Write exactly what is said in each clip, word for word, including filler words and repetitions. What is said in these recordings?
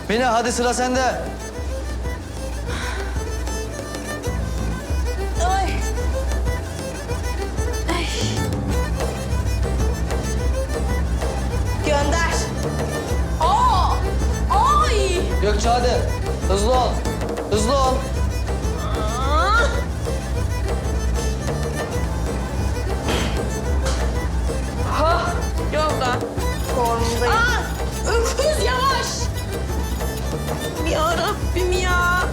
Mine hadi sıra sende. Ay. Ay. Gönder. Aa! Ay! Gökçe hadi. Hızlı ol. Hızlı ol. Aa! Ha! Yolda. Formundayım. Aa! Öküz yavaş. Ya Rabbim ya.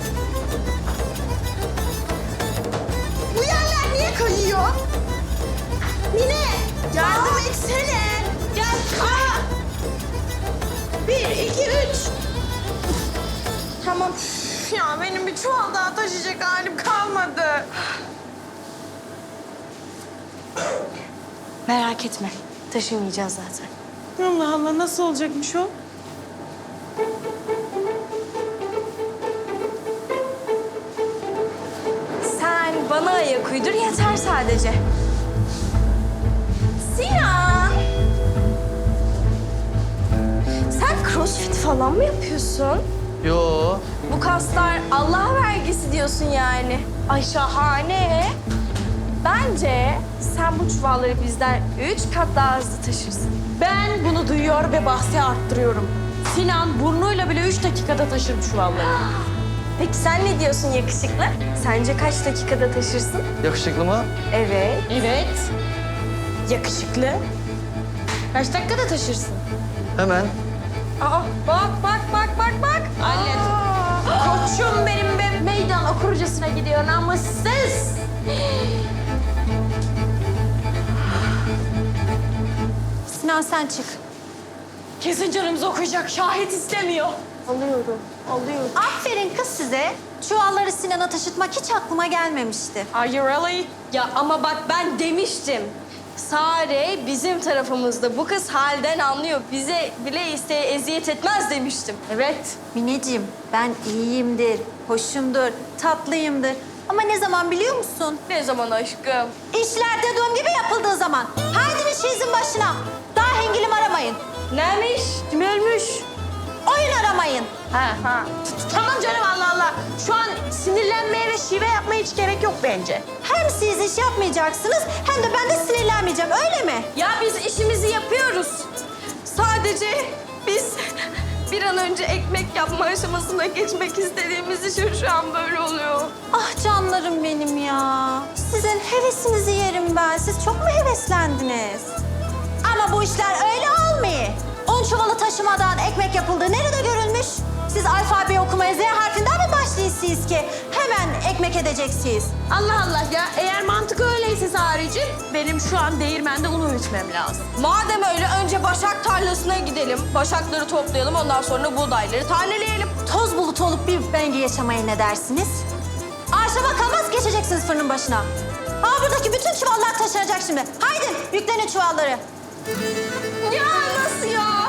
Bu yerler niye kayıyor? Mine, yardım etsene. Gel. Aa! Bir, iki, üç. Tamam. Üf, ya benim bir çuval daha taşıyacak halim kalmadı. Merak etme. Taşımayacağız zaten. Allah Allah, nasıl olacakmış o? Sen bana ayak uydur yeter sadece. Sinan! Sen crossfit falan mı yapıyorsun? Yo. Bu kaslar Allah vergisi diyorsun yani. Ay şahane. Bence sen bu çuvalları bizden üç kat daha hızlı taşırsın. Ben bunu duyuyor ve bahsi arttırıyorum. Sinan burnuyla bile üç dakikada taşır bu çuvalları. Peki sen ne diyorsun yakışıklı? Sence kaç dakikada taşırsın? Yakışıklı mı? Evet. Evet. Yakışıklı. Kaç dakikada taşırsın? Hemen. Aa, bak bak bak bak bak. Hallet. Koçum benim be. Meydan okurcasına gidiyor namussuz. Sinan sen çık. Kesin canımız okuyacak. Şahit istemiyor. Alıyorum, alıyorum. Aferin kız size. Çuvalları Sinan'a taşıtmak hiç aklıma gelmemişti. Are you really? Ya ama bak ben demiştim. Sare bizim tarafımızda. Bu kız halden anlıyor. Bize bile isteye eziyet etmez demiştim. Evet. Mineciğim ben iyiyimdir, hoşumdur, tatlıyımdır. Ama ne zaman biliyor musun? Ne zaman aşkım? İşler dediğim gibi yapıldığı zaman. Haydi işinizin başına. Daha hengilim aramayın. Neymiş? Kim ölmüş? Oyun aramayın. Ha. ha. Tamam canım, Allah Allah. Şu an sinirlenmeye ve şive yapmaya hiç gerek yok bence. Hem siz iş yapmayacaksınız hem de ben de sinirlenmeyeceğim öyle mi? Ya biz işimizi yapıyoruz. Sadece biz bir an önce ekmek yapma aşamasına geçmek istediğimiz için şu an böyle oluyor. Ah canlarım benim ya. Sizin hevesinizi yerim ben. Siz çok mu heveslendiniz? Ama bu işler öyle olmuyor. Un çuvalı taşımadan ekmek yapıldığı nerede görülmüş? Siz alfabeyi okumaya Z harfinden mi başlıyorsunuz ki? Hemen ekmek edeceksiniz. Allah Allah ya. Eğer mantık öyleyse Sarıcığım, benim şu an değirmende un öğütmem lazım. Madem öyle önce başak tarlasına gidelim. Başakları toplayalım, ondan sonra buğdayları taneleyelim. Toz bulut olup bir bengi yaşamaya ne dersiniz? Akşama kalmaz geçeceksiniz fırının başına. Aa buradaki bütün çuvallar taşınacak şimdi. Haydi yüklenin çuvalları. Ya nasıl ya?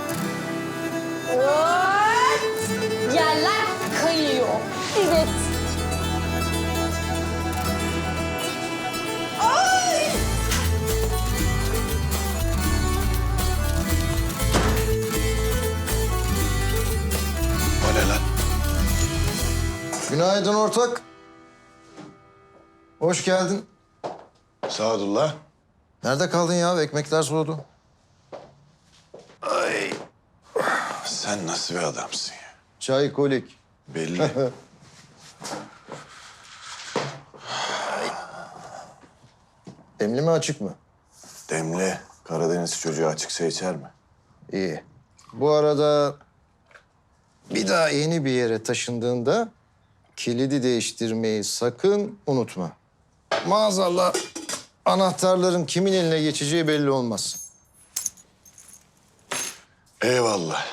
What? Yerler kayıyor. Evet. Ay! O ne lan? Günaydın ortak. Hoş geldin. Sadullah. Nerede kaldın ya? Ekmekler soğudu. Ay. Sen nasıl bir adamsın ya? Çay, kolik. Belli. Demli mi açık mı? Demli. Karadeniz çocuğu açıksa içer mi? İyi. Bu arada bir daha yeni bir yere taşındığında kilidi değiştirmeyi sakın unutma. Maazallah anahtarların kimin eline geçeceği belli olmaz. Eyvallah.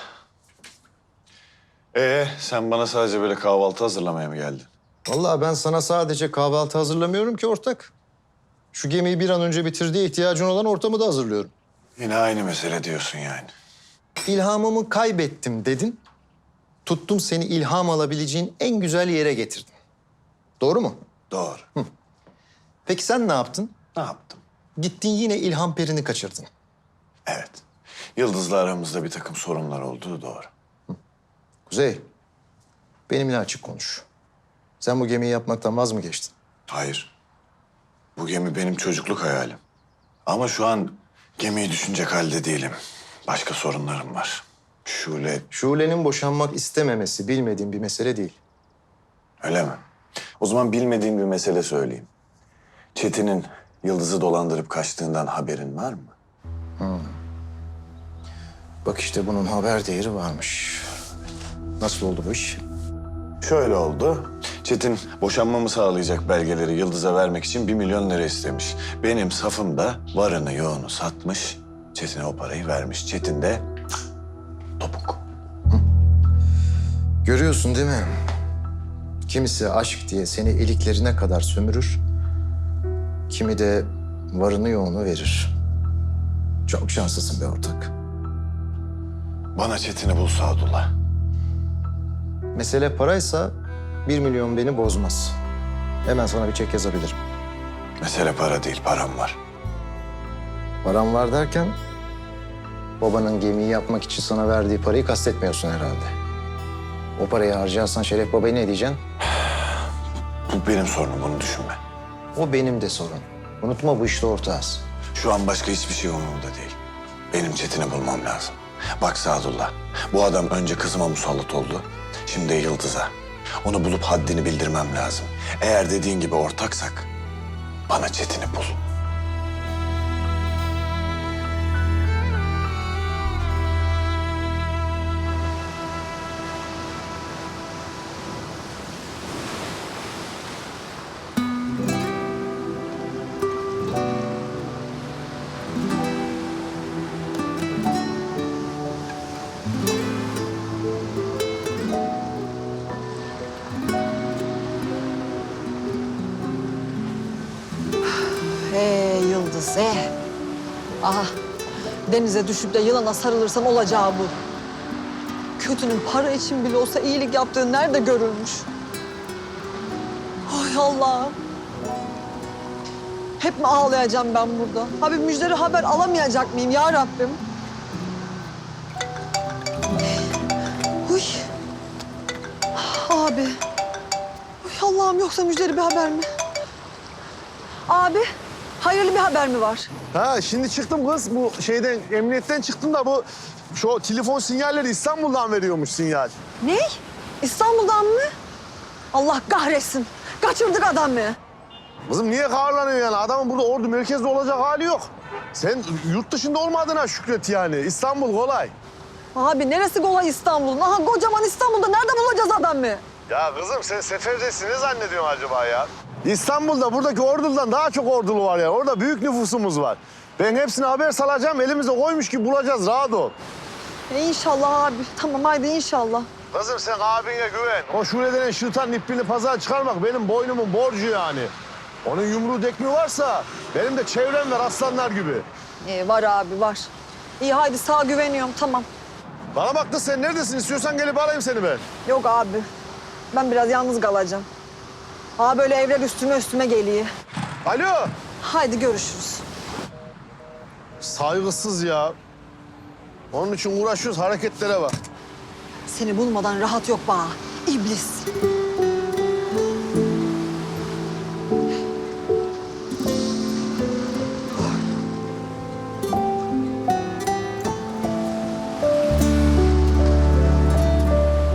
Ee, sen bana sadece böyle kahvaltı hazırlamaya mı geldin? Vallahi ben sana sadece kahvaltı hazırlamıyorum ki ortak. Şu gemiyi bir an önce bitir diye ihtiyacın olan ortamı da hazırlıyorum. Yine aynı mesele diyorsun yani. İlhamımı kaybettim dedin. Tuttum seni ilham alabileceğin en güzel yere getirdim. Doğru mu? Doğru. Peki sen ne yaptın? Ne yaptım? Gittin yine ilham perini kaçırdın. Evet. Yıldız'la aramızda bir takım sorunlar olduğu doğru. Kuzey, benimle açık konuş. Sen bu gemiyi yapmaktan vaz mı geçtin? Hayır. Bu gemi benim çocukluk hayalim. Ama şu an gemiyi düşünecek halde değilim. Başka sorunlarım var. Şule, Şule'nin boşanmak istememesi bilmediğim bir mesele değil. öyle mi? O zaman bilmediğim bir mesele söyleyeyim. Çetin'in Yıldız'ı dolandırıp kaçtığından haberin var mı? Bak işte bunun haber değeri varmış. Nasıl oldu bu iş? Şöyle oldu. Çetin boşanmamı sağlayacak belgeleri Yıldız'a vermek için bir milyon lira istemiş. Benim safım da varını yoğunu satmış. Çetin'e o parayı vermiş. Çetin de cık, topuk. Görüyorsun değil mi? Kimisi aşk diye seni iliklerine kadar sömürür. Kimi de varını yoğunu verir. Çok şanslısın be ortak. Bana Çetin'i bul Sadullah. Mesele paraysa bir milyon beni bozmaz. Hemen sana bir çek yazabilirim. Mesele para değil, param var. Param var derken babanın gemiyi yapmak için sana verdiği parayı kastetmiyorsun herhalde. O parayı harcarsan Şeref Baba'ya ne diyeceksin? Bu benim sorunum, bunu düşünme. O benim de sorun. Unutma bu işte ortağız. Şu an başka hiçbir şey umurumda değil. Benim Çetin'i bulmam lazım. Bak Sadullah, bu adam önce kızıma musallat oldu. Şimdi de Yıldız'a. Onu bulup haddini bildirmem lazım. Eğer dediğin gibi ortaksak bana Çetin'i bul. Hey Yıldız, eh. Aha, denize düşüp de yılana sarılırsan olacağı bu. Kötünün para için bile olsa iyilik yaptığı nerede görülmüş? Ay Allah'ım. Hep mi ağlayacağım ben burada? Abi müjdeli haber alamayacak mıyım ya Rabbim? Uy. Abi. Uy Allah'ım, yoksa müjdeli bir haber mi? Abi, hayırlı bir haber mi var? Ha şimdi çıktım kız bu şeyden emniyetten çıktım da bu şu telefon sinyalleri İstanbul'dan veriyormuş sinyal. Ne? İstanbul'dan mı? Allah kahretsin. Kaçırdık adamı. Kızım niye kahırlanıyor yani? Adamın burada ordu merkezde olacak hali yok. Sen yurt dışında olmadığına şükret yani. İstanbul kolay. Abi neresi kolay İstanbul'un? Aha kocaman İstanbul'da nerede bulacağız adamı? Ya kızım sen seferdesin ne zannediyorsun acaba ya? İstanbul'da buradaki ordudan daha çok ordulu var ya. Orada büyük nüfusumuz var. Ben hepsine haber salacağım. Elimize koymuş ki bulacağız. Rahat ol. E inşallah abi. Tamam haydi inşallah. Kızım sen abine güven. O Şule denen şırtan ipini pazara çıkarmak benim boynumun borcu yani. Onun yumruğu dekmi varsa benim de çevrem var aslanlar gibi. E, var abi var. İyi haydi sağ güveniyorum tamam. Bana bak da sen neredesin? İstiyorsan gelip arayayım seni ben. Yok abi. Ben biraz yalnız kalacağım. Aa böyle evler üstüme üstüme geliyor. Alo. Haydi görüşürüz. Saygısız ya. Onun için uğraşıyoruz hareketlere bak. Seni bulmadan rahat yok bana. İblis.